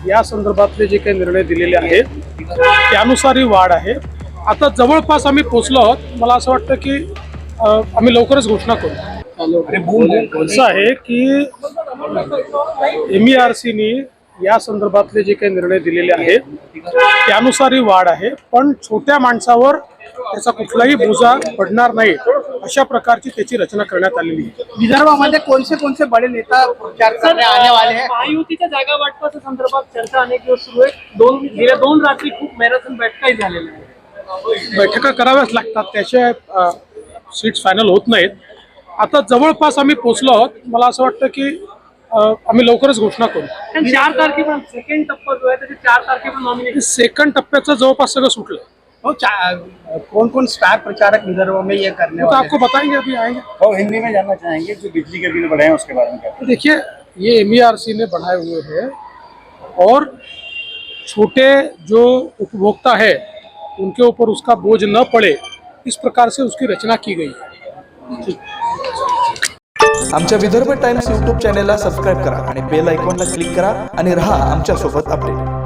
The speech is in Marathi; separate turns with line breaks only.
या संदर्भातले जे काही निर्णय दिलेले आहेत त्यानुसार ही वाढ आहे। आता जवळपास आम्ही पोहोचलो आहोत। मला असं वाटतं की आम्ही लवकरच घोषणा करू। असं आहे की MERCनी या संदर्भातले जे काही निर्णय दिलेले आहेत त्यानुसार ही वाढ आहे, पण छोट्या माणसावर त्याचा कुठलाही बोजा पडणार नाही अशा प्रकारची त्याची रचना करण्यात आलेली आहे।
विदर्भामध्ये कोणते बडे नेता प्रचार करने आने वाले हैं?
महायुतीच्या जागा वाटपाच्या संदर्भात चर्चा अनेक दिवस सुरू आहे। गेल्या 2 रात्री खूप मॅरेथॉन बैठकाही झालेल्या आहेत।
बैठका कराव्याच लागतात, त्याशिवाय सीट्स फायनल होत नाहीत। आता जवळपास आम्ही पोहोचलो आहोत। मला असं वाटतं की आम्ही लवकरच घोषणा करू।
4 तारखेपर्यंत सेकंड टप्पा जो आहे त्याचे 4 तारखेपर्यंत नॉमिनेशन।
सेकंड टप्प्याचं जवळपास सगळं सुटलं।
कौन स्टार प्रचारक विदर्भ में ये करने
तो
वाले
आपको बताएंगे, अभी आएंगे।
और हिंदी में जानना चाहेंगे जो बिजली के बिल बढ़े हैं उसके बारे में क्या?
तो देखिए, ये MERC ने बढ़ाए हुए हैं और छोटे जो उपभोक्ता है उनके ऊपर उसका बोझ न पड़े, इस प्रकार से उसकी रचना की गई है।
आमच्या विदर्भ टाइम्स यूट्यूब चॅनेलला सबस्क्राईब करा आणि बेल आयकॉनला क्लिक करा आणि रहा आमच्या सोबत अपडेट।